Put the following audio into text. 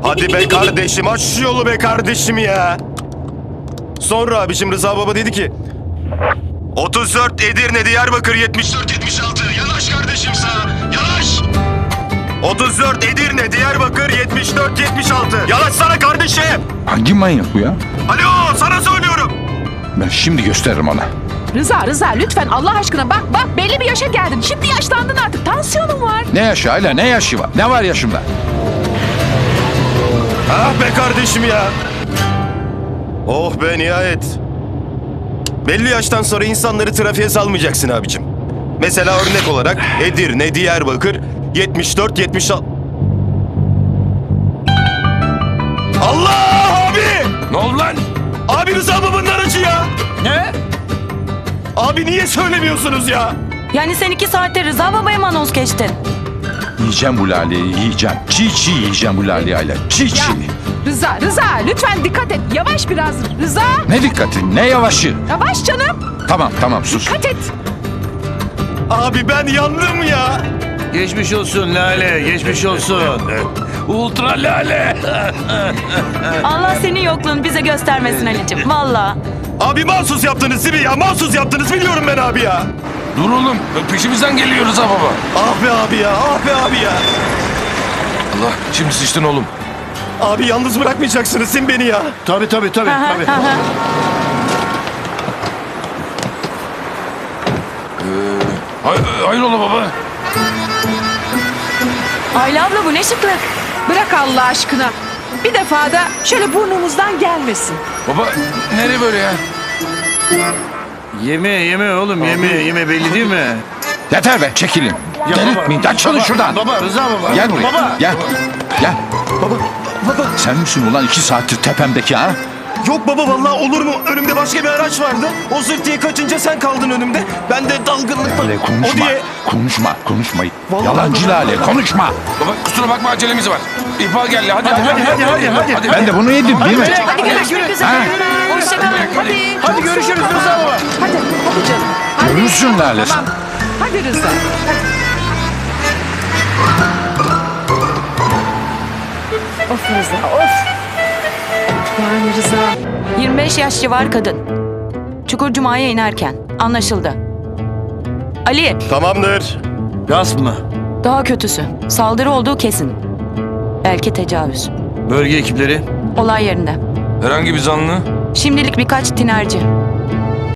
Hadi be kardeşim, aç şu yolu be kardeşim ya. Sonra abicim Rıza Baba dedi ki 34 Edirne Diyarbakır 74-76 yanaş kardeşim sağa yanaş. 34 Edirne Diyarbakır 74-76 yanaş sana kardeşim. Hangi manyak bu ya? Alo sana söylüyorum. Ben şimdi gösteririm ona. Rıza lütfen Allah aşkına bak belli bir yaşa geldin. Şimdi yaşlandın artık, tansiyonun var. Ne yaşı hala, ne yaşı var? Ne var yaşımda? Ah be kardeşim ya. Oh be nihayet. Belli yaştan sonra insanları trafiğe salmayacaksın abicim. Mesela örnek olarak Edirne, Diyarbakır 74-76. Allah abi! Ne oldu lan? Abi Rıza babanın aracı ya. Ne? Abi niye söylemiyorsunuz ya? Yani sen 2 saatte Rıza Baba'ya mı anons geçtin? Yiyeceğim bu laleyi, yiyeceğim. Çiğ yiyeceğim bu laleyi hala. Çiğ. Rıza lütfen dikkat et. Yavaş biraz Rıza. Ne dikkati, ne yavaşı? Yavaş canım. Tamam sus. Dikkat et. Abi ben yandım ya. Geçmiş olsun Lale, geçmiş olsun. Ultra Lale. Allah senin yokluğunu bize göstermesin Ali'cim. Valla. Abi mahsus yaptınız değil mi ya? Mahsus yaptınız biliyorum ben abi ya. Dur oğlum, peşimizden geliyoruz ha baba. Ah be abi ya, ah be abi ya. Allah, şimdi sıçtın oğlum. Abi yalnız bırakmayacaksınız sen beni ya. Tabii. Hayrola baba? Ayla abla bu ne şıklık. Bırak Allah aşkına. Bir defa da şöyle burnumuzdan gelmesin. Baba, nereye böyle ya? Yeme oğlum, yeme belli değil mi? Yeter be, çekilin. Delirtmeyin, açılın şuradan. Baba, Rıza baba. Gel buraya, Baba. gel. Baba. Sen misin ulan 2 saattir tepemdeki ha? Yok baba vallahi olur mu? Önümde başka bir araç vardı. O zırt diye kaçınca sen kaldın önümde. Ben de dalgınlıkla... Lale konuşma. Konuşma. Vallahi Yalancı Lale, konuşma. Baba, kusura bakma acelemiz var. İhbar geldi, hadi. Hadi. Ben de bunu yedim değil mi? Hadi görüşmek üzere. Hoşçakalın. Hadi görüşürüz Rıza baba. Hadi canım. Hadi. Görürsün Lale sen. Tamam. Hadi Rıza. Of Rıza of. Yani Rıza. 25 yaş civar kadın. Çukurcuma'ya inerken. Anlaşıldı. Ali, Tamamdır. Gasp mı? daha kötüsü. Saldırı olduğu kesin. Belki tecavüz. Bölge ekipleri. Olay yerinde. Herhangi bir zanlı? Şimdilik birkaç tinerci.